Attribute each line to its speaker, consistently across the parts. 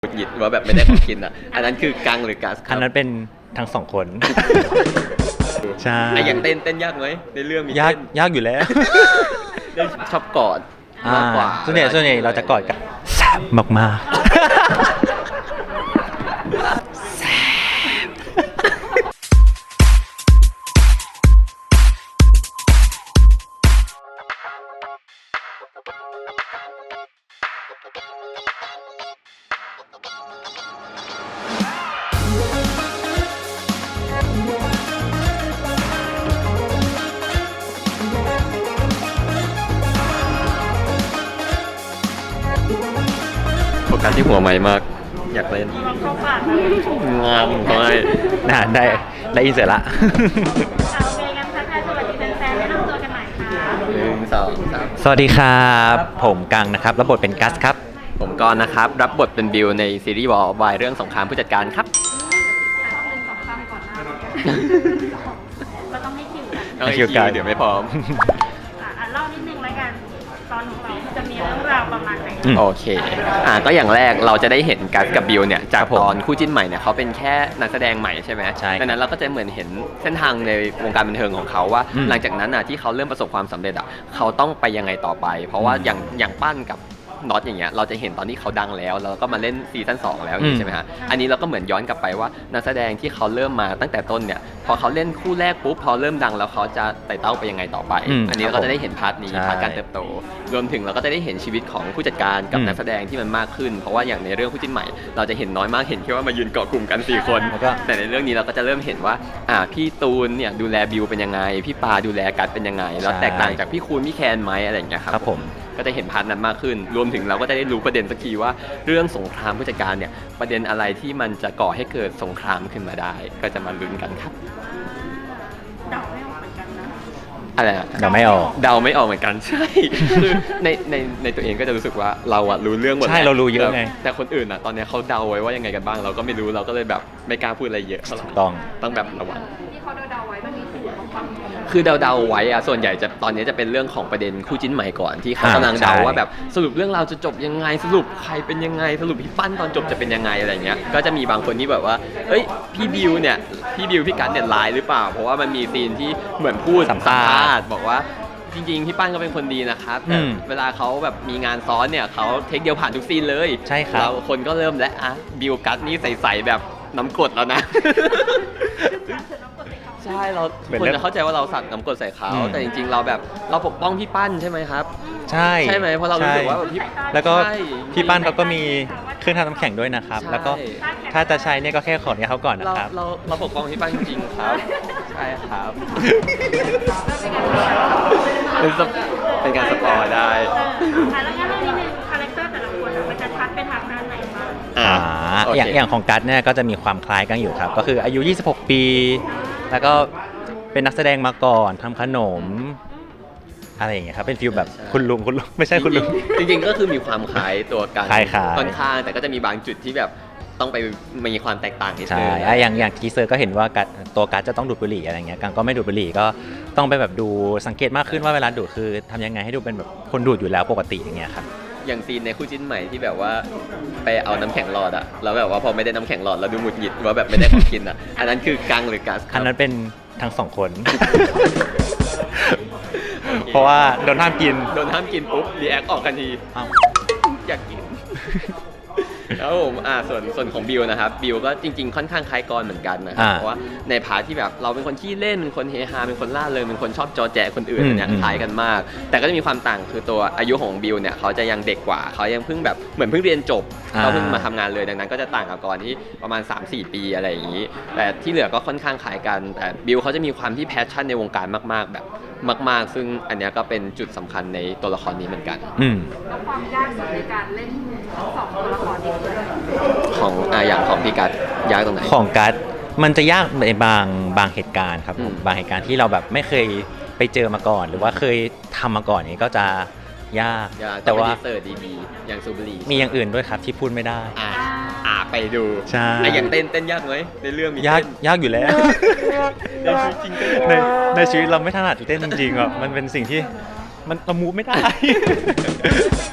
Speaker 1: หงุดหงิดว่าแบบไม่ได้ของกินอ่ะ อันนั้นคือกังหรือกัสค
Speaker 2: อั
Speaker 1: รั
Speaker 2: น
Speaker 1: บ
Speaker 2: นั้นเป็นทั้งสองคน ใช่
Speaker 1: ไอ้อย่างเต้นยากไหมในเรื่องมี
Speaker 2: ยาก
Speaker 1: เต้น
Speaker 2: ยากอยู่แล้ว
Speaker 1: เต้นชอบกอดมากกว่า
Speaker 2: ส่วนใหญ่เราจะกอดกันแซ่บมาก
Speaker 1: โฟกัสที่หัวไม้มาก อยากเล่น
Speaker 3: ลองเข้าปากนะ
Speaker 1: งามไป
Speaker 2: ๆน่าได้อินเสร็จละ
Speaker 3: เอาเมย์กันทักทายสวัสดีแฟนๆแนะนำตัวกันหน่อยค่ะ
Speaker 1: 1 2 3
Speaker 2: สวัสดีครับผมกังนะครับรับบทเป็นกัสครับ
Speaker 1: ผมกรณ์นะครับ รับบทเป็นบิวในซีรีส์วายเรื่องสงครามผู้จัดการครับ
Speaker 3: หนึ่งสองสามก่อนหน้าเราต้องให้คิวกัน
Speaker 1: เอา
Speaker 2: ให้
Speaker 1: อี
Speaker 2: คิว
Speaker 1: ก
Speaker 2: กั
Speaker 1: ที
Speaker 2: น
Speaker 1: เดี๋ยวไม่พร้อม
Speaker 3: เล่านิดนึงแล้วกันตอนของเราจะมีเรื่องราวประมาณไหน
Speaker 1: โอเค ก็อย่างแรกเราจะได้เห็นกัสกับบิวเนี่ยจาก
Speaker 2: ครับผม
Speaker 1: ตอนคู่จิ้นใหม่เนี่ยเขาเป็นแค่นักแสดงใหม่ใช่ไหม
Speaker 2: ใช่
Speaker 1: ดังนั้นเราก็จะเหมือนเห็นเส้นทางในวงการบันเทิงของเขาว่า
Speaker 2: อืม
Speaker 1: หลังจากนั้นที่เขาเริ่มประสบความสำเร็จเขาต้องไปยังไงต่อไป เพราะว่าอย่างปั้นกับน็อตอย่างเงี้ยเราจะเห็นตอนที่เขาดังแล้วแล้วก็มาเล่นซีซั่น2แล้วอย่างนี้ใช่ไหมฮะอันนี้เราก็เหมือนย้อนกลับไปว่านักแสดงที่เขาเริ่มมาตั้งแต่ต้นเนี่ยพอเขาเล่นคู่แรกปุ๊บพอเริ่มดังแล้วเขาจะไต่เต้าไปยังไงต่อไป อันนี้เราก็จะได้เห็นพาร์ทนี้
Speaker 2: ใช่
Speaker 1: พาร์ทการเติบโต รวมถึงเราก็จะได้เห็นชีวิตของผู้จัดการกับนักแสดงที่มันมากขึ้น เพราะว่าอย่างในเรื่องคู่จิ้นใหม่ เราจะเห็นน้อยมากเห็นแค่ว่ามายืนเกาะกลุ่มกัน4คน
Speaker 2: แล้วก็
Speaker 1: แต่ในเรื่องนี้เราก็จะเริ่มเห็นว่าพี่ตูนเนี่ยดูแลบิวเป็นยังไงพี่ปาดูแลกัดเป็นยังไงแล้วแตกต่างจากพี่คูณพี่แคนไหมอะไรอย่างเงี้ยครับ
Speaker 2: ครับผม
Speaker 1: ก็จะเห็นพาร์ทนั้นมากขึ้น รวมถึงเราก็จะได้รู้ประเด็นสักทีว่าเรื่องสงครามผู้จัดการเนี่ยประเด็นอะไรที่มันจะก่อให้เกิดสงครามขึ้นมาได้ ก็จะมาลุ้นกันครับ
Speaker 3: เดาไม่ออกเหมือนกันนะ
Speaker 1: อะไรอะ
Speaker 2: เดาไม่ออก
Speaker 1: เดาไม่ออกเหมือนกัน ใช่ คือในตัวเองก็จะรู้สึกว่าเราอะรู้เรื่องหมด
Speaker 2: ใช่
Speaker 1: แล้ว
Speaker 2: เรารู้เยอะไง
Speaker 1: แต่คนอื่นอะตอนเนี้ยเขาเดาไว้ว่ายังไงกันบ้าง เราก็ไม่รู้เราก็เลยแบบไม่กล้าพูดอะไรเยอะเท่าไหร่
Speaker 2: ต้อง
Speaker 1: แบบระวัง
Speaker 3: ที่เขาเดาๆไว้มันมีสูตรของความ
Speaker 1: คือเดาๆไว้อะส่วนใหญ่จะตอนนี้จะเป็นเรื่องของประเด็นคู่จิ้นใหม่ก่อนที่เขากำลังเดา
Speaker 2: ใช่
Speaker 1: ว่าแบบสรุปเรื่องราวจะจบยังไงสรุปใครเป็นยังไงสรุปพี่ปั้นตอนจบจะเป็นยังไงอะไรเงี้ยก็จะมีบางคนที่แบบว่าเอ้ยพี่บิวพี่กันเนี่ยร้ายหรือเปล่าเพราะว่ามันมีซีนที่เหมือนพูด
Speaker 2: สัมภาษณ์
Speaker 1: บอกว่าจริงๆพี่ปั้นก็เป็นคนดีนะครับแต่ เวลาเขาแบบมีงานซ้อนเนี่ยเขาเทคเดียวผ่านทุกซีนเลย
Speaker 2: ใช่ครับ
Speaker 1: เราคนก็เริ่มแล้วบิวกัสนี่ใสๆแบบน้ำกรดแล้วนะ ใช่เราทุกคนจะเข้าใจว่าเราสัตว์น้ำกรดใส่เขาแต่จริงๆเราแบบเราปกป้องพี่ปั้นใช่ไหมครับ
Speaker 2: ใช่
Speaker 1: ใช่ไหมเพราะเรารู้สึกว่าแบบพี่
Speaker 2: แล้วก็
Speaker 1: ใช่
Speaker 2: พี่ปั้นเขาก็มีเครื่องทำน้ำแข็งด้วยนะครับ
Speaker 1: ใช่
Speaker 2: แล้วก็ถ้าจะใช้เนี่ยก็แค่ขอเนี่ยเขาก่อนนะ
Speaker 1: เรา
Speaker 2: ครับ
Speaker 1: เราปกป้องพี่ปั้นจริงๆครับ ใช่ครับ เป็นการสปอยได้
Speaker 3: แล้วงั้นเรื่องนี้นึงคาแรคเตอร์แต่ละคนมันจะชัดไปทางด้านไหนบ้าง
Speaker 1: โเค
Speaker 2: อย่างของกัสเนี่ยก็จะมีความคล้ายกันอยู่ครับ ก็คืออายุ 26 ปี แล้วก็เป็นนักแสดงมาก่อนทำขนม อะไรอย่างเงี้ยครับ เป็นฟิลแบบคุณลุงไม่ใช่คุณลุง
Speaker 1: จริงๆก็คือมีความคล้ายตัวกัน
Speaker 2: คล้ายๆ
Speaker 1: ค่อนข้างแต่ก็จะมีบางจุดที่แบบต้องไปมีความแตกต่างนิด
Speaker 2: ใช่
Speaker 1: นึง
Speaker 2: อย่างทีเซอร์ก็เห็นว่าตัวกัสจะต้องดูดบุหรี่อะไรเงี้ยกังก็ไม่ดูดบุหรี่ก็ต้องไปแบบดูสังเกตมากขึ้นว่าเวลาดูดคือทำยังไงให้ดูเป็นแบบคนดูดอยู่แล้วปกติอย่างเงี้ยครับ
Speaker 1: อย่างซีนในคู่จิ้นใหม่ที่แบบว่าไปเอาน้ำแข็งหลอดอะแล้วแบบว่าพอไม่ได้น้ำแข็งหลอดเราดูหงุดหงิดว่าแบบไม่ได้ของกินอะอันนั้นคือกังหรือกัสค
Speaker 2: อั
Speaker 1: รั
Speaker 2: น
Speaker 1: บ
Speaker 2: นั้นเป็นทั้งสองคน เพราะว่าโดนห้ามกิน
Speaker 1: โดนห้ามกินปุ๊บรีแอคออกทันที
Speaker 2: อ้าว
Speaker 1: อยากกิน แล้วผมส่วนของบิวนะครับบิวก็จริงๆค่อนข้างคล้ายกรเหมือนกันนะครับเพราะว่าในพาร์ทที่แบบเราเป็นคนขี้เล่นเป็นคนเฮฮาเป็นคนล่าเริงเป็นคนชอบจอแจคนอื่นเนี่ยคล้ายกันมาก แต่ก็จะมีความต่างคือตัวอายุของบิวเนี่ยเขาจะยังเด็กกว่าเขายังเพิ่งแบบเหมือนเพิ่งเรียนจบเขาเพิ่งมาทำงานเลยดังนั้นก็จะต่างกับกรที่ประมาณ 3-4 ปีอะไรอย่างนี้ แต่ที่เหลือก็ค่อนข้างคล้ายกันแต่บิวเขาจะมีความที่แพชชั่นในวงการมากๆแบบมากๆซึ่งอันเนี้ยก็เป็นจุดสำคัญในตัวละครนี้เหมือนกัน
Speaker 3: แล้วความยากสุดในการเล่นทั้งสองตัวละครนี้คืออะไร
Speaker 1: ของอย่างของพี่กัดยากตรงไหน
Speaker 2: ของกัสมันจะยากในบางเหตุการณ์ครับผมบางเหตุการณ์ที่เราแบบไม่เคยไปเจอมาก่อน หรือว่าเคยทำมาก่อนนี้ก็จะยาก
Speaker 1: แต่
Speaker 2: แต่
Speaker 1: ว่า
Speaker 2: ว่า
Speaker 1: เสิร์ชดีๆอย่างซูบรี
Speaker 2: มีอย่างอื่นด้วยครับที่พูดไม่ได้
Speaker 1: ไปดู
Speaker 2: ใช่
Speaker 1: ไอ้อย่างเต้นยากไหมในเรื่องมี
Speaker 2: ยาก
Speaker 1: เต้น
Speaker 2: ยากอยู่แล้ว
Speaker 1: ในชีวิตจริงเต้น
Speaker 2: ในชีวิตเราไม่ถนัดเต้นจริงๆอ่ะมันเป็นสิ่งที่มันเรามูฟไม่ได้
Speaker 3: ตามใจ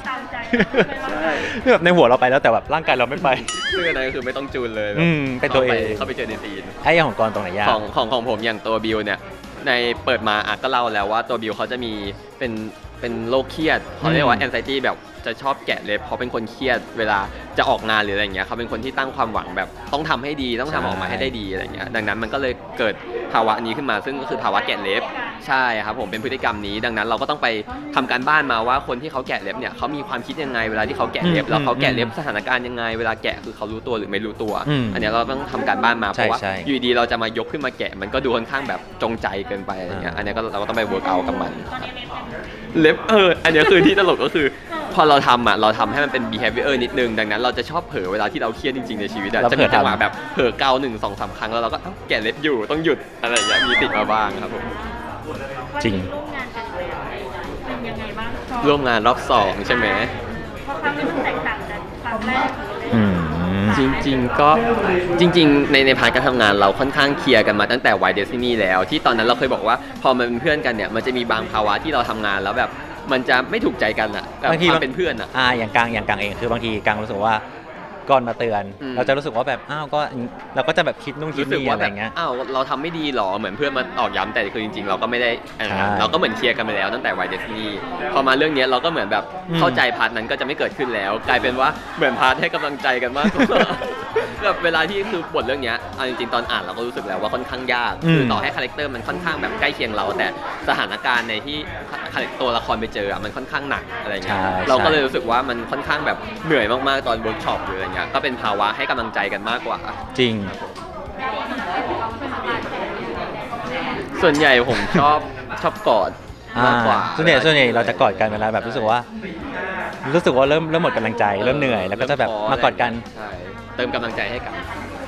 Speaker 1: ใช่
Speaker 2: แบบในหัวเราไปแล้วแต่แบบร่างกายเราไม่ไป
Speaker 1: ซึ่งอันนั้นก็คือไม่ต้องจูนเลยแบบ
Speaker 2: เป็นตัวเอง
Speaker 1: เข้าไปเจอในซีน
Speaker 2: ไอ้อย่างของกรตรงไหนยาก
Speaker 1: ของผมอย่างตัวบิวเนี่ยในเปิดมาก็เล่าแล้วว่าตัวบิวเขาจะมีเป็นโรคเครียดเขาเรียกว่า anxiety แบบจะชอบแกะเล็บเพราะเป็นคนเครียดเวลาจะออกงานหรืออะไรเงี้ยเขาเป็นคนที่ตั้งความหวังแบบต้องทำให้ดีต้องทำออกมาให้ได้ดีอะไรเงี้ยดังนั้นมันก็เลยเกิดภาวะนี้ขึ้นมาซึ่งก็คือภาวะแกะเล็บใช่ครับผมเป็นพฤติกรรมนี้ดังนั้นเราก็ต้องไปทำการบ้านมาว่าคนที่เขาแกะเล็บเนี่ยเขามีความคิดยังไงเวลาที่เขาแกะเล็บแล้วเขาแกะเล็บสถานการณ์ยังไงเวลาแกะคือเขารู้ตัวหรือไม่รู้ตัว อันเนี้ยเราต้องทำการบ้านมาเพราะว่าอยู่ดีเราจะมายกขึ้นมาแกะมันก็ดูค่อนข้างแบบจงใจเกินไปอะไรเงี้ยอันเนี้ยก็เราก็ต้องไปเวิร์กเอากับมันเล็บอันเนี้ยคือที่ตลกก็คือพอเราทำเราทำให้มันเป็น behavior นิดนึงดังนั้นเราจะชอบเผลอเวลาที่เราเครียดจริงๆในชีวิตจะมีจังหวะแบบเผลอเกา1 2 3 ครั้งแล้วเราก็แกะเล็บอยู่ต้องหยุดอะไรอย่างเงี้ยมีติดมาบ้างครับผม
Speaker 2: จริง
Speaker 3: ร่วมงานกันแล้วเป็นยังไงบ้างชอบ
Speaker 1: ร่วมงานรอบ2ใช่ไหม
Speaker 3: เพราะครั้งนี้มันแตกต่างจากครั้งแรกเลย
Speaker 2: อืม
Speaker 1: จริงๆก็จริงๆในพาร์ทการทำงานเราค่อนข้างเคลียร์กันมาตั้งแต่ Y Destiny แล้วที่ตอนนั้นเราเคยบอกว่าพอมันเป็นเพื่อนกันเนี่ยมันจะมีบางภาวะที่เราทำงานแล้วแบบมันจะไม่ถูกใจกันอะแบบ
Speaker 2: บางที
Speaker 1: ความเป็นเพื่อนอะ
Speaker 2: อย่างกลางเองคือบางทีกลางรู้สึกว่าก่อนมาเตือน เราจะรู้สึกว่าแบบอ้าวก็เราก็จะแบบคิดนู่นคิด
Speaker 1: รู้สึก
Speaker 2: นี่
Speaker 1: ว่า
Speaker 2: อะไร
Speaker 1: แบบ
Speaker 2: เงี้ย
Speaker 1: อ้าวเราทำไม่ดีหรอเหมือนเพื่อนมาตอกย้ำแต่คือจริงๆเราก็ไม่ได้เราก็เหมือนเคลียร์กันไปแล้วตั้งแต่ Y Destiny พอมาเรื่องนี้เราก็เหมือนแบบเข้าใจพาร์ทนั้นก็จะไม่เกิดขึ้นแล้ว กลายเป็นว่าเหมือนพาร์ทให้กำลังใจกันมากกว่าแบบเวลาที่คือบทเรื่องนี้เอาจริงๆตอนอ่านเราก็รู้สึกแล้วว่าค่อนข้างยากคือต่อให้คาแรคเตอร์มันค่อนข้างแบบใกล้เคียงเราแต่สถานการณ์ในที่ตัวละครไปเจอมันค่อนข้างหนักอะไรเงี้ยเราก็เลยรู้สึกว่ามันค่อนข้างแบบเหนื่อยมากๆตอนเวิร์กช็อปหรืออะไรเงี้ยก็เป็นภาวะให้กำลังใจกันมากกว่า
Speaker 2: จริง
Speaker 1: ส่วนใหญ่ผมชอบกอดมากกว่า
Speaker 2: ส่วนใหญ่เราจะกอดกันเวลาแบบรู้สึกว่าเริ่มหมดกำลังใจเริ่มเหนื่อยแล้วก็จะแบบมากอดกัน
Speaker 1: ใช่เติมกำลังใจให้กัน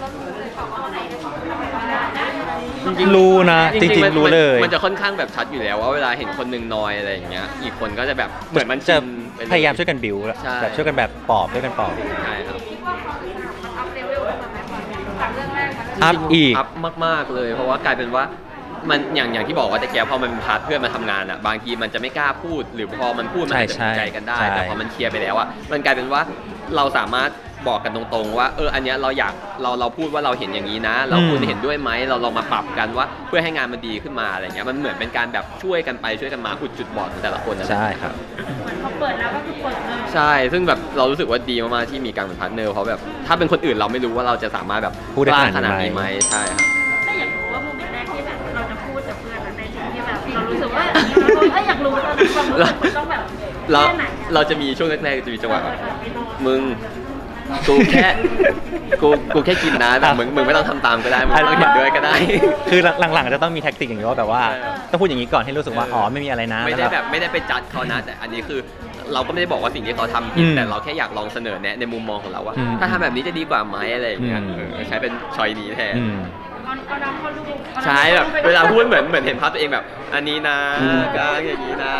Speaker 2: รู้นะจริงๆรู้เลย
Speaker 1: มันจะค่อนข้างแบบชัดอยู่แล้วว่าเวลาเห็นคนหนึ่งนอยอะไรอย่างเงี้ยอีกคนก็จะแบบเหมือนมัน
Speaker 2: จะ
Speaker 1: ชินไปเล
Speaker 2: พยายามช่วยกันบิว
Speaker 1: ใช่
Speaker 2: แบบช่วยกันแบบปลอบช่วยกันปลอบ
Speaker 1: ใช่ครับ
Speaker 3: มันอัพเลเวลขึ้นมาไหมจากเรื่องแรกมัน
Speaker 2: อัพอีก
Speaker 1: อัพมากๆเลยเพราะว่ากลายเป็นว่ามันอย่างที่บอกว่าแต่แกพอมันพาร์ทเพื่อนมาทำงานอ่ะบางทีมันจะไม่กล้าพูดหรือพอมันพูดมันอาจจะถูกใจกันได้
Speaker 2: ใช่
Speaker 1: แต่พอมันเคลียร์ไปแล้วอ่ะมันกลายเป็นว่าเราสามารถบอกกันตรงๆว่าอันเนี้ยเราอยากเราพูดว่าเราเห็นอย่างนี้นะ เราคุณเห็นด้วยไหมเราลองมาปรับกันว่าเพื่อให้งานมันดีขึ้นมาอะไรเงี้ยมันเหมือนเป็นการแบบช่วยกันไปช่วยกันมาอุดจุดบอดของแต่ละคนนั่นแหละ
Speaker 2: ใช่ครับ
Speaker 3: พอเปิดแล้วก็คือเปิดเลย
Speaker 1: ใช่ ซึ่งแบบเรารู้สึกว่าดีมากๆที่มีการเป็นพาร์ทเนอร์เพราะแบบถ้าเป็นคนอื่นเราไม่รู้ว่าเราจะสามารถแบบ
Speaker 2: พูดได้
Speaker 1: กล้า
Speaker 2: ข
Speaker 1: ข
Speaker 2: นา
Speaker 1: นา
Speaker 2: ด
Speaker 1: ด
Speaker 2: นี้
Speaker 1: นี้
Speaker 2: ไห
Speaker 1: ไห
Speaker 2: ม
Speaker 1: มใช่ครับ
Speaker 3: แต่อยากรู้ว่าโมเมนต์แรกที่แบบเราจะพูดกับเพื่อนในสิ่งที่แบบเรารู้สึกว่าอยากรู้ตอนนั้นความรู้สึกมันต้องแบบ
Speaker 1: เรา
Speaker 3: แค่ไหน
Speaker 1: เราจะมีช่วงแรกๆจะมีจังหวะแบบมึงกูแค่ กูแค่กินนะแต่มึงไม่ต้องทำตามก็ได้มึงไม่ต้องเห็นด้วยก็ได้
Speaker 2: คือหลังๆจะต้องมีแท็กติกอย่างนี้ว่าแบบว่า
Speaker 1: ใช่ครับ
Speaker 2: ต้องพูดอย่างนี้ก่อนให้รู้สึกว่าอ๋อไม่มีอะไรนะ
Speaker 1: ไม่ได้แบบไม่ได้ไปจัดเขานะ แต่อันนี้คือเราก็ไม่ได้บอกว่าสิ่งที่เขาทำผิดแต่เราแค่อยากลองเสนอแนะในมุมมองของเราว่า ถ้าทำแบบนี้จะดีกว่าไหมอะไรอย่างเงี้ยใช้เป็นชอยนี้แทน
Speaker 3: ก็รับเขาดู
Speaker 1: ใช่แบบเวลาพูดเหมือนเห็นภาพตัวเองแบบ อันนี้นะกลางอย่างนี้นะ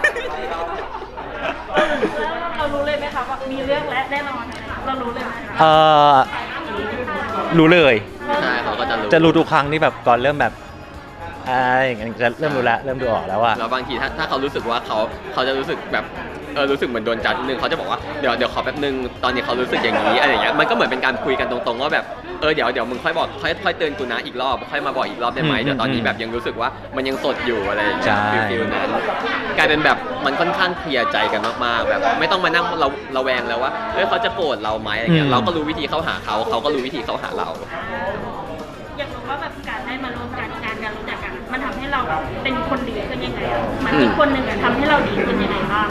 Speaker 3: เรารู้เลยไหมคะว่ามีเรื่องและแน่นอนเรารู้เลยไหม
Speaker 2: รู้เลย
Speaker 1: ใช่เขาก็จะรู้
Speaker 2: จะรู้ทุกครั้งที่แบบก่อนเริ่มแบบอย่างเงี้ยจะเริ่มรู้แล้วเริ่มดูออกแล้วว่า
Speaker 1: แล้วบางทีถ้าเขารู้สึกว่าเขาจะรู้สึนึกรู้สึกเหมือนโดนจัดนิดนึงเขาจะบอกว่าเดี๋ยวขอแป๊บนึงตอนนี้เขารู้สึกอย่างนี้อะไรอย่างเงี้ยมันก็เหมือนเป็นการคุยกันตรงๆว่าแบบเดี๋ยวมึงค่อยบอกค่อยเตือนกูนะอีกรอบค่อยมาบอกอีกรอบได้ไหมเดี๋ยวตอนนี้แบบยังรู้สึกว่ามันยังสดอยู่อะไรอย่างเงี้ย
Speaker 2: ใช่
Speaker 1: ฟิลนั้นกลายเป็นแบบมันค่อนข้างเคลียร์ใจกันมากๆแบบไม่ต้องมานั่งเราแวงแล้วว่าเขาจะโกรธเราไหมอะไรเงี้ยเราก็รู้วิธีเข้าหาเขาก็รู้วิธีเข้าหาเรา
Speaker 3: อยากรู้ว่าแบบการได้มาร่วมกันการรู้จักกันมันทำให้เราเป็นคนดีขึ้นยังไงมันอีกคนหนึ่งทำให้เราดีขึ้นยังไงบ้าง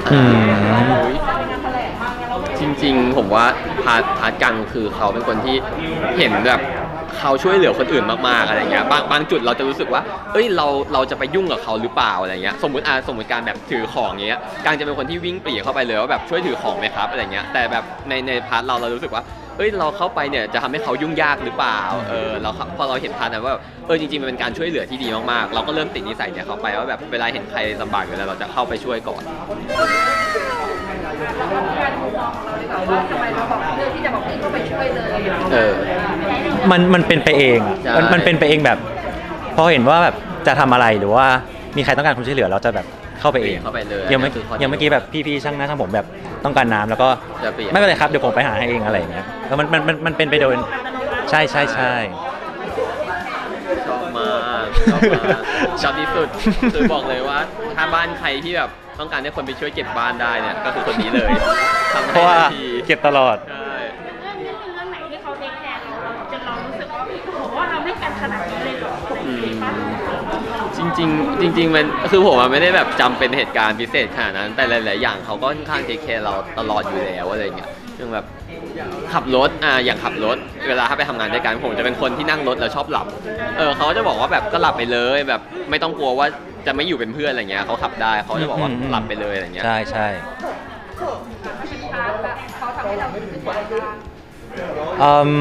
Speaker 1: จริงๆผมว่าพาร์ทกังคือเขาเป็นคนที่เห็นแบบเขาช่วยเหลือคนอื่นมากๆอะไรเงี้ยบางจุดเราจะรู้สึกว่าเราจะไปยุ่งกับเขาหรือเปล่าอะไรเงี้ยสมมติการแบบถือของเงี้ยกังจะเป็นคนที่วิ่งปรีเข้าไปเลยว่าแบบช่วยถือของไหมครับอะไรเงี้ยแต่แบบในพาร์ทเรารู้สึกว่าเราเข้าไปเนี่ยจะทำให้เขายุ่งยากหรือเปล่าพอเราเห็นพาร์ทนั้นว่าจริงๆมันเป็นการช่วยเหลือที่ดีมากๆเราก็เริ่มติดนิสัยเนี่ยเขาไปว่าแบบเวลาเห็นใครลำบากอยู่แล้วเราจะเข้าไปช่วยก่อน
Speaker 3: การมุมมองของเราดีกว่าว่าทำไมเราบอกเลือกที่จะบอกพี่ก็ไปช่วยเลย
Speaker 2: มันเป็นไปเองอะ
Speaker 1: ใช่
Speaker 2: มันเป็นไปเองแบบพอเห็นว่าแบบจะทำอะไรหรือว่ามีใครต้องการความช่วยเหลือเราจะแบบเข้าไปเอง
Speaker 1: เข้าไปเลย
Speaker 2: อย่างเมื่อกี้แบบพี่ๆช่างหน้าช่างผมแบบต้องการน้ำแล้วก็
Speaker 1: จะเปลี่ยน
Speaker 2: ไม่เป็นไรครับเดี๋ยวผมไปหาให้เองอะไรอย่างเงี้ยแล้วมันเป็นไปโดยใช่
Speaker 1: ชอบมากชอบที่สุดคือบอกเลยว่าถ้าบ้านใครที่แบบต้องการให้คนไปช่วยเก็บบ้านได้เนี่ยก็คือคนนี้เลยทำ
Speaker 2: เพ
Speaker 1: ให้
Speaker 2: ราะว่า
Speaker 1: ทันที
Speaker 2: เก็บตลอด
Speaker 1: ใช่
Speaker 3: เรื่องนี้เป็นเรื่องไหนที่เขาเทคแคร์เราจนเรารู้สึกว่าโอ้โหเราให้กันขนาดนี้เลยเหรออะไรอย่างเงี้ยป่ะ
Speaker 1: จริงมันคือผมไม่ได้แบบจำเป็นเหตุการณ์พิเศษขนาดนั้น แต่หลายๆอย่างเขาก็ค่อนข้างเทคแคร์เราตลอดอยู่แล้วอะไรเงี้ยอย่างแบบขับรถอย่างขับรถเวลาถ้าไปทำงานด้วยกันผมจะเป็นคนที่นั่งรถแล้วชอบหลับเขาจะบอกว่าแบบก็หลับไปเลยแบบไม่ต้องกลัวว่าจะไม่อยู่เป็นเพื่อนอะไรเงี้ยเขาขับได้เขาจะบอกว่าหลับไปเลยอะไรเงี้ย
Speaker 2: ใช่
Speaker 3: เขาทำให้เรารู้สึกว่า
Speaker 2: อืม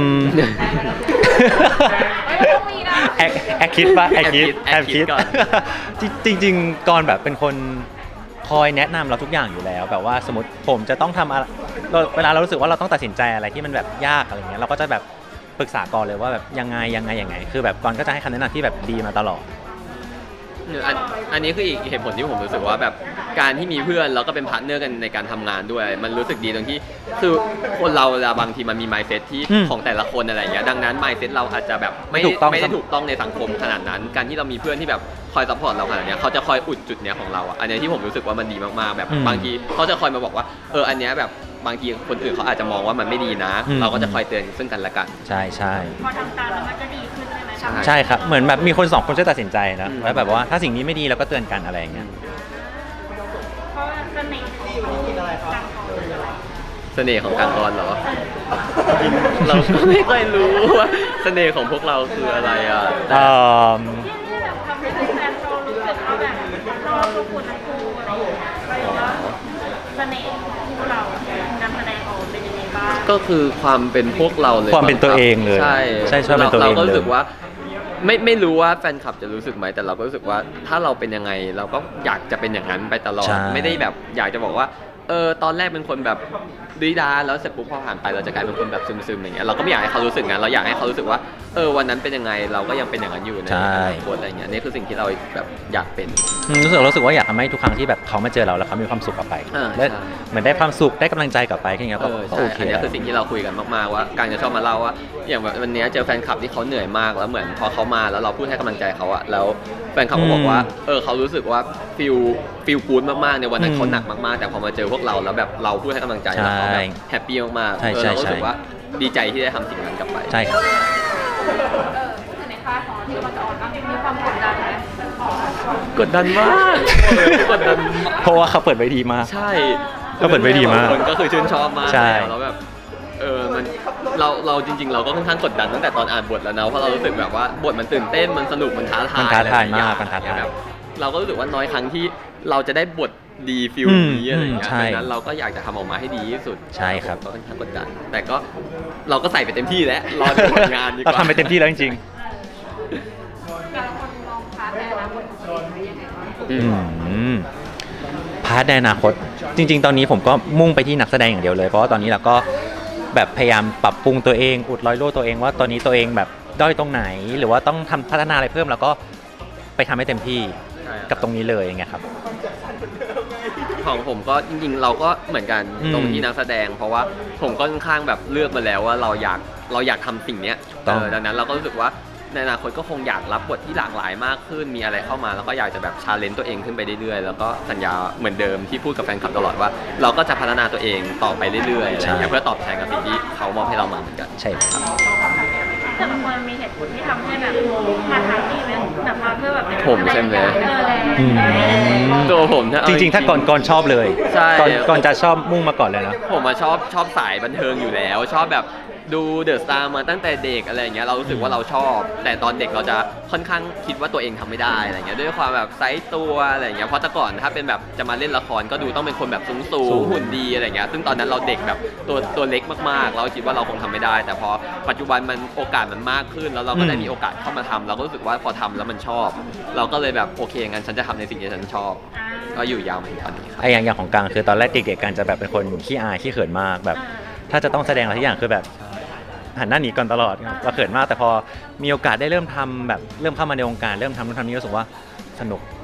Speaker 3: ไม่ต้องมีนะ
Speaker 2: แอคคิดป่ะแอคคิด
Speaker 1: แอบคิดก่อน
Speaker 2: จริงๆก่อนแบบเป็นคนคอยแนะนำเราทุกอย่างอยู่แล้วแบบว่าสมมติผมจะต้องทำอะไรเวลาเรารู้สึกว่าเราต้องตัดสินใจอะไรที่มันแบบยากอะไรเงี้ยเราก็จะแบบปรึกษาก่อนเลยว่าแบบยังไงคือแบบก่อนก็จะให้คำแนะนำที่แบบดีมาตลอด
Speaker 1: อันนี้คืออีกเหตุผลที่ผมรู้สึกว่าแบบการที่มีเพื่อนแล้วก็เป็นพาร์ทเนอร์กันในการทำงานด้วย มันรู้สึกดีตรงที่คือคนเราบางทีมันมี mindset ที่ของแต่ละคนอะไรอย่างเงี้ยดังนั้น mindset เราอาจจะแบบไม่ได้ถูกต้องในสังคมขนาดนั้น การที่เรามีเพื่อนที่แบบคอยซัพพอร์ตเราขนาดเนี้ยเขาจะคอยอุดจุดเนี้ยของเราอันนี้ที่ผมรู้สึกว่ามันดีมากๆแบบบางทีเขาจะคอยมาบอกว่าอันเนี้ยแบบบางทีคนอื่นเขาอาจจะมองว่ามันไม่ดีนะ เราก็จะคอยเตือนซึ่งกันและกัน
Speaker 2: ใช่
Speaker 3: พอทำตามแล้วมันก็ดีขึ้นใช่ไหม
Speaker 2: ใช่ครับเหมือนแบบมีคนสองคนช่วยตัดสินใจนะแล้วแบบว่าถ้าสิ่งนี้ไม่ดีเราก็เตือนกันอะไรอย่างเงี้ย
Speaker 3: เพราะเสน่ห์ของการขอ
Speaker 1: เสน่ห์ของการกรเหรอ เราก็ไม่ค่อยรู้ว่าเสน่ห์ของพวกเราคืออะไรอ่ะ
Speaker 3: ที่แบบทำให้แฟนเรารู้สึกว่าแบบชอบทุกคนทั้งคู่อะไรอย่างเงี้ยแล้วเสน่ห์ของคู่เรานำแสดงออกเป็นยังไงบ้าง
Speaker 1: ก็คือความเป็นพวกเราเลย
Speaker 2: ความเป็นตัวเองเลย
Speaker 1: ใช่
Speaker 2: ชอบเป็นตัวเอง
Speaker 1: เราก็
Speaker 2: เล
Speaker 1: รู้สึ
Speaker 2: ย
Speaker 1: กว่าไม่รู้ว่าแฟนคลับจะรู้สึกไหมแต่เราก็รู้สึกว่าถ้าเราเป็นยังไงเราก็อยากจะเป็นอย่างนั้นไปตลอด
Speaker 2: ใช่
Speaker 1: ไม่ได้แบบอยากจะบอกว่าตอนแรกเป็นคนแบบดีดาแล้วเสร็จปุ๊บพอผ่านไปเราจะกลายเป็นคนแบบซึมๆอย่างเงี้ยเราก็ไม่อยากให้เขารู้สึกงั้นเราอยากให้เขารู้สึกว่าวันนั้นเป็นยังไงเราก็ยังเป็นอย่างนั้นอยู่ในอนาคตอะไรเงี้ยนี่คือสิ่งที่เราแบบอยากเป็น
Speaker 2: รู้สึกว่าอยากทำให้ทุกครั้งที่แบบเขามาเจอเราแล้วเขามีความสุขกลับไป
Speaker 1: ใช่
Speaker 2: และเหมือนได้ความสุขได้กำลังใจกลับไปแค่นี้ก็
Speaker 1: ใช่
Speaker 2: โอเค
Speaker 1: อันนี้คือสิ่งที่เราคุยกันมากๆว่าการจะชอบมาเล่าว่าอย่างแบบวันนี้เจอแฟนคลับที่เขาเหนื่อยมากแล้วเหมือนพอเขามาแล้วเราพูดให้กำลังใจเขาอะแล้วแฟนคลับก็บอกว่าเขารู้สึกว่าฟิลกู๊ดมากๆในวันนั้นเขาหนักมากๆแต่พอมาเจอพวกเราแล้วแบบเราพูดให้กำลังใจแล้วเขาแบบแฮปปี้มากๆเรารู้สึกว่าดีใจที่ได้ทำสิ่งนั้นกลับไป
Speaker 2: ใช่ครับ
Speaker 3: ในค่ายของที่มันจะออนบ้างมีความกดดันไหม
Speaker 1: กดดันมากกดดัน
Speaker 2: เพราะว่าเขาเปิดไว้ดีมาก
Speaker 1: ใช่
Speaker 2: ก็เปิดไว้ดีมาก
Speaker 1: คนก็คือชื่นชอบมาก
Speaker 2: ใช่
Speaker 1: แล้วแบบมันเราจริงๆเราก็ค่อนข้างกดดันตั้งแต่ตอนอ่านบทแล้วนะเพราะเรารู้สึกแบบว่าบทมันตื่นเต้นมันสนุกมันท้าทาย
Speaker 2: มันท้าทาย
Speaker 1: อะไรอย่ง
Speaker 2: มาก
Speaker 1: เงี้
Speaker 2: มันท้าทาย
Speaker 1: แบบเราก็รู้สึกว่าน้อยครั้งที่เราจะได้บทดีฟิลนี้อะไรอย่างเงี้ย
Speaker 2: ใช่
Speaker 1: ดังนั้นเราก็อยากจะทำออกมาให้ดีที่สุด
Speaker 2: ใช่ครับ
Speaker 1: ก็ค่อนข้างกดดัน แต่ก็เราก็ใส่ไปเต็มที่แล้วรอดูผลงานดีกว่า
Speaker 2: เราทำไปเต็มที่แล้วจริง
Speaker 3: แต่ละคนมองพาร์ทในอนาคตของตัวเองไว้ยังไงบ้าง
Speaker 2: พาร์ทในอนาคตจริง ๆ ตอนนี้ผมก็มุ่งไปที่นักแสดงอย่างเดียวเลยเพราะว่าตอนนี้เราก็แบบพยายามปรับปรุงตัวเองอุดรอยรั่วตัวเองว่าตอนนี้ตัวเองแบบด้อยตรงไหน หรือว่าต้องทำพัฒนาอะไรเพิ่มแล้วก็ไปทำให้เต็มที่
Speaker 1: ใช่ครับ
Speaker 2: กับตรงนี้เลยอย่างเงี้ยครับ
Speaker 1: ของผมก็จริงๆเราก็เหมือนกัน
Speaker 2: อืม
Speaker 1: ตรงที่นักแสดง เพราะว่าผมก็ค่อนข้างแบบเลือกมาแล้วว่าเราอยากทำสิ่งเนี้ย
Speaker 2: ต้อง
Speaker 1: ดังนั้นเราก็รู้สึกว่าในอนาคตก็คงอยากรับบทที่หลากหลายมากขึ้นมีอะไรเข้ามาแล้วก็อยากจะแบบชาเลนจ์ตัวเองขึ้นไปเรื่อยๆแล้วก็สัญญาเหมือนเดิมที่พูดกับแฟนคลับตลอดว่า เราก็จะพัฒนาตัวเองต่อไปเรื่อยๆอะไรอย่างเงี้ยเพื่อตอบแทนกับสิ่งที่เขามอบให้เรามาเหมือนกัน
Speaker 2: ใช่ครับ
Speaker 3: แต่บางคนมีเหตุผลที่ทำให้แบบมาทางนี้ไหมแบบมาเพื่อแบบเป็น
Speaker 1: ผมใช่ไหม
Speaker 2: อืม
Speaker 1: ตัวผมนะ
Speaker 2: จริงๆ ถ้าก่อนชอบเลย
Speaker 1: ใช่
Speaker 2: ก่อนจะชอบมุ่งมาก่อนเลยนะ
Speaker 1: ผมมาชอบสายบันเทิงอยู่แล้ว ชอบแบบดูเดอะสตาร์มาตั้งแต่เด็กอะไรอย่างเงี้ยเรารู้สึกว่าเราชอบ แต่ตอนเด็กเราจะค่อนข้างคิดว่าตัวเองทำไม่ได้อะไรเงี้ยด้วยความแบบไซส์ตัวอะไรเงี้ยเพราะแต่ก่อนถ้าเป็นแบบจะมาเล่นละครก็ดูต้องเป็นคนแบบสูงหุ่นดีอะไรเงี้ยซึ่งตอนนั้นเราเด็กแบบตัวเล็กมากๆเราคิดว่าเราคงทำไม่ได้ แต่พอปัจจุบันมันโอกาสมันมากขึ้น แล้วเราก็ได้มีโอกาสเข้ามาทำเราก็รู้สึกว่าพอทำแล้วมันชอบ เราก็เลยแบบโอเคงั้นฉันจะทำในสิ่งที่ฉันชอบ ก็อยู่ยาวมาถึงตอนนี้ครับ
Speaker 2: ไอ้อย่างของกลางคือตอนแรกเด็กๆกันจะแบบเป็นคนขี้อายขี้เขินมากแบบ ถ้าจะต้องแสดงอะไรทุกอย่างคือแบบหันหน้าหนีก่อนตลอดเราเขินมากแต่พอมีโอกาสได้เริ่มทำแบบเริ่มเข้ามาในวงการเริ่มทำนู่นทำนี่รู้สึกว่าสนุก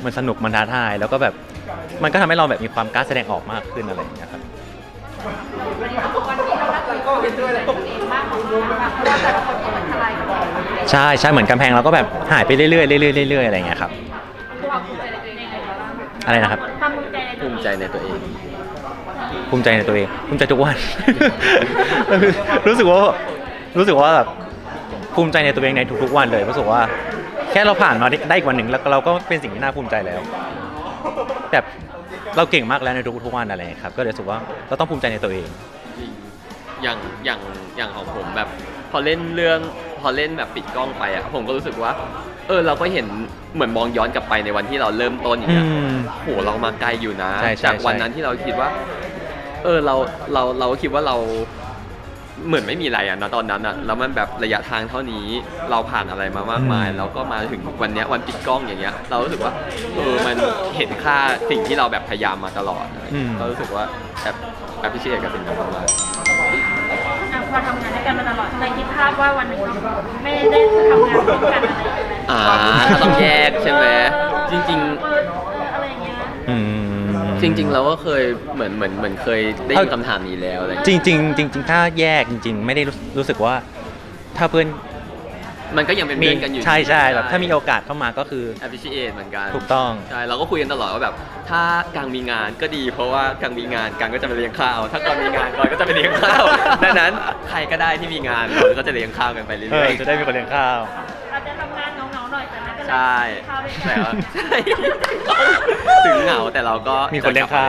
Speaker 2: มันสนุกมันท้าทายแล้วก็แบบมันก็ทำให้เราแบบมีความกล้าแสดงออกมากขึ้นอะไรอย่างเงี้ยครับ
Speaker 3: วันนี้เราน่าจะก็เป็นด้วยอะไรตัวเองมากของเราค่ะเพราะว่าแต่ละคนก็เหมือนทลายกำแพง
Speaker 2: ใช่เหมือนกำแพงเราก็แบบหายไปเรื่อยๆเรื่อยๆเรื่อยๆอะไรอย่างเงี้ยครับ
Speaker 3: ความภูมิใจในตัวเองยังไงบ้าง
Speaker 2: อะไรนะครับ
Speaker 3: ความภูมิใจในตัว
Speaker 1: ภู
Speaker 3: เอง
Speaker 1: มิใจในตัวเอง
Speaker 2: ภูมิใจในตัวเองภูมิใจทุกวัน รู้สึกว่าแบบภูมิใจในตัวเองในทุกๆวันเลยรู้สึกว่าแค่เราผ่านมาได้อีกวันหนึ่งแล้วเราก็เป็นสิ่งที่น่าภูมิใจแล้วแบบเราเก่งมากแล้วในทุกๆวันอะไรครับก็เลยรู้สึกว่าเราต้องภูมิใจในตัวเอง
Speaker 1: จริงอย่างของผมแบบพอเล่นแบบปิดกล้องไปอ่ะผมก็รู้สึกว่าเราก็เห็นเหมือนมองย้อนกลับไปในวันที่เราเริ่มต้นอย่างเงี้ยโหเรามาไกลอยู่นะ
Speaker 2: ใช่
Speaker 1: จากวันนั้นที่เราคิดว่าเราคิดว่าเราเหมือนไม่มีอะไรอ่ะนะตอนนั้นอ่ะแล้วมันแบบระยะทางเท่านี้เราผ่านอะไรมามากมายแล้วก็มาถึงวันเนี้ยวันปิดกล้องอย่างเงี้ยเรารู้สึกว่ามันเห็นค่าสิ่งที่เราแบบพยายามมาตลอดก็รู้สึกว่าแบบพิเศษกับสิ่งนั้นมาก
Speaker 3: พอทำงานด้วยกันมาตลอดในคิดภาพว่าวันหนึ่งเราไม่ได้ทำงานร่วมกันอะไรอย่างเงี้ย
Speaker 1: ถ้าต้องแยกใช่ไหมจริง
Speaker 3: อะไรอย่างเงี้ย
Speaker 1: จริงเราก็เคยเหมือนเคยได้ยินคำถามนี้แล้วอะไร
Speaker 2: จริงถ้าแยกจริงๆไม่ได้รู้สึกว่าถ้าเพื่อน
Speaker 1: มันก็ยังเป็นเพื่อนกันอยู่
Speaker 2: ใช่แบบถ้ามีโอกาสเข้ามาก็คือ
Speaker 1: appreciate เหมือนกัน
Speaker 2: ถูกต้อง
Speaker 1: ใช่เราก็คุยกันตลอดว่าแบบถ้ากางมีงานก็ดีเพราะว่ากางมีงานกางก็จะไปเลี้ยงข้าวถ้ากางมีงานกางก็จะไปเลี้ยงข้าวดังนั้นใครก็ได้ที่มีงานเราก็จะเลี้ยงข้าวกันไปเรื่อยๆ
Speaker 2: จะได้มีคนเลี้ยงข้าว
Speaker 3: อาจจะทำงานเหงาๆหน่อยแต่ไม่เป็นไร
Speaker 1: ใช่
Speaker 3: ข้าวด้วย
Speaker 1: ใช่
Speaker 3: กัน
Speaker 1: ใช่ถึงเหงาแต่เราก็
Speaker 2: มีคนเลี้ยงข้าว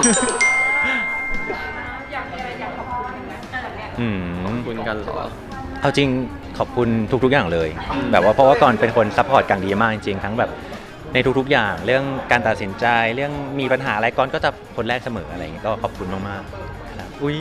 Speaker 3: อยากมีอะไรอยากขอบคุณไหมเนี่ย
Speaker 1: ขอบคุณกันเหรอ
Speaker 2: เอาจริงขอบคุณทุกๆอย่างเลย แบบว่าเพราะว่าก่อนเป็นคนซัพพอร์ตกันดีมากจริงๆทั้งแบบในทุกๆอย่างเรื่องการตัดสินใจเรื่องมีปัญหาอะไรก่อนก็จะคนแรกเสมออะไรอย่างเงี้ยก็ขอบคุณมากๆครับอุ้ย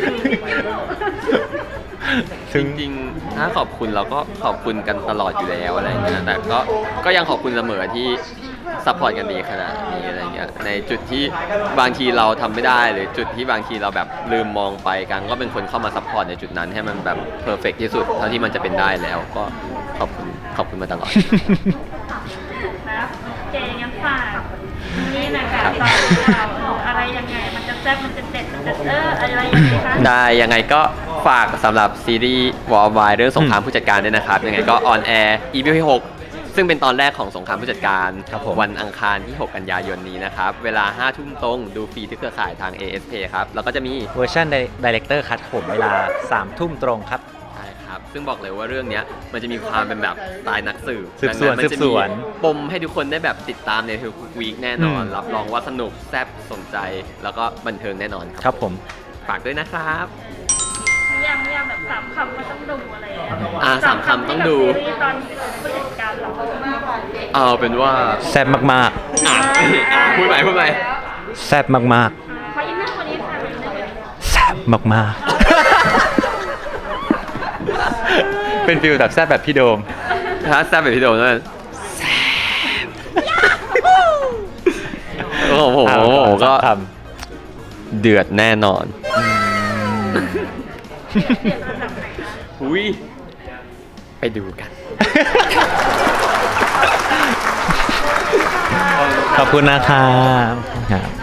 Speaker 1: จริงๆถ้าขอบคุณเราก็ขอบคุณกันตลอดอยู่แล้วอะไรอย่างเงี้ยแต่ก็ยังขอบคุณเสมอที่ซัพพอร์ตกันดีขนาดนี้อะไรเงี้ยในจุดที่บางทีเราทำไม่ได้หรือจุดที่บางทีเราแบบลืมมองไปกันก็เป็นคนเข้ามาซัพพอร์ตในจุดนั้นให้มันแบบเพอร์เฟกที่สุดเท่าที่มันจะเป็นได้แล้วก็ขอบคุณมาตลอด
Speaker 3: นะเจงั้นฝากนี่นะคะตอนเราอะไรยังไงมันจะแซ่บมันจะเด็ดมันจะอะไรยังไงคะ
Speaker 1: ได้ยังไงก็ฝากสำหรับซีรีส์วอลวายเรื่องสงครามผู้จัดการด้วยนะครับยังไงก็ออนแอร์ EP ที่6ซึ่งเป็นตอนแรกของสงครามผู้จัดการ
Speaker 2: ครับผม
Speaker 1: วันอังคารที่ 6 กันยายนนี้นะครับเวลา 5 ทุ่มตรงดูฟรีที่เครือข่ายทาง ASP ครับแล้วก็จะมี
Speaker 2: เวอร์ชันดีเลกเตอร์คัทผมเวลา 3 ทุ่มตรงครับ
Speaker 1: ใช่ครับซึ่งบอกเลยว่าเรื่องเนี้ยมันจะมีความเป็นแบบสไตล์นักสืบ
Speaker 2: สืบสวน
Speaker 1: ดังนั้นมันจะ
Speaker 2: สืบส
Speaker 1: มี
Speaker 2: วน
Speaker 1: ปมให้ทุกคนได้แบบติดตามในทุกวีคแน่นอน รับรองว่าสนุกแซ่บสนใจแล้วก็บันเทิงแน่นอน
Speaker 2: ครับผม
Speaker 1: ฝากด้วยนะครับ
Speaker 3: ยังแบบสามคำก็ต้องดูอะไรอย่างเงี้ย
Speaker 1: สามคำต้องดู
Speaker 3: ซีรีส์ตอนผู้จัดการเรา
Speaker 1: เอาเป็นว่า
Speaker 2: แซ่บมาก
Speaker 1: พูดใหม่
Speaker 2: ๆแซ่บมาก
Speaker 3: ขออินเนอร์วันนี้ค่ะอินเนอร์วันนี้
Speaker 2: ๆแซ่บมากๆ เป็นฟิลแบบแซ่บแบบพี่โดม
Speaker 1: ถ้าแซ่บแบบพี่โดมนั่นโอ้โหก็
Speaker 2: ท
Speaker 1: เดือดแน่นอน
Speaker 3: เปลี่ยนระดับไหนคะ
Speaker 1: หุยไปดูกัน
Speaker 2: ขอบคุณนะครับ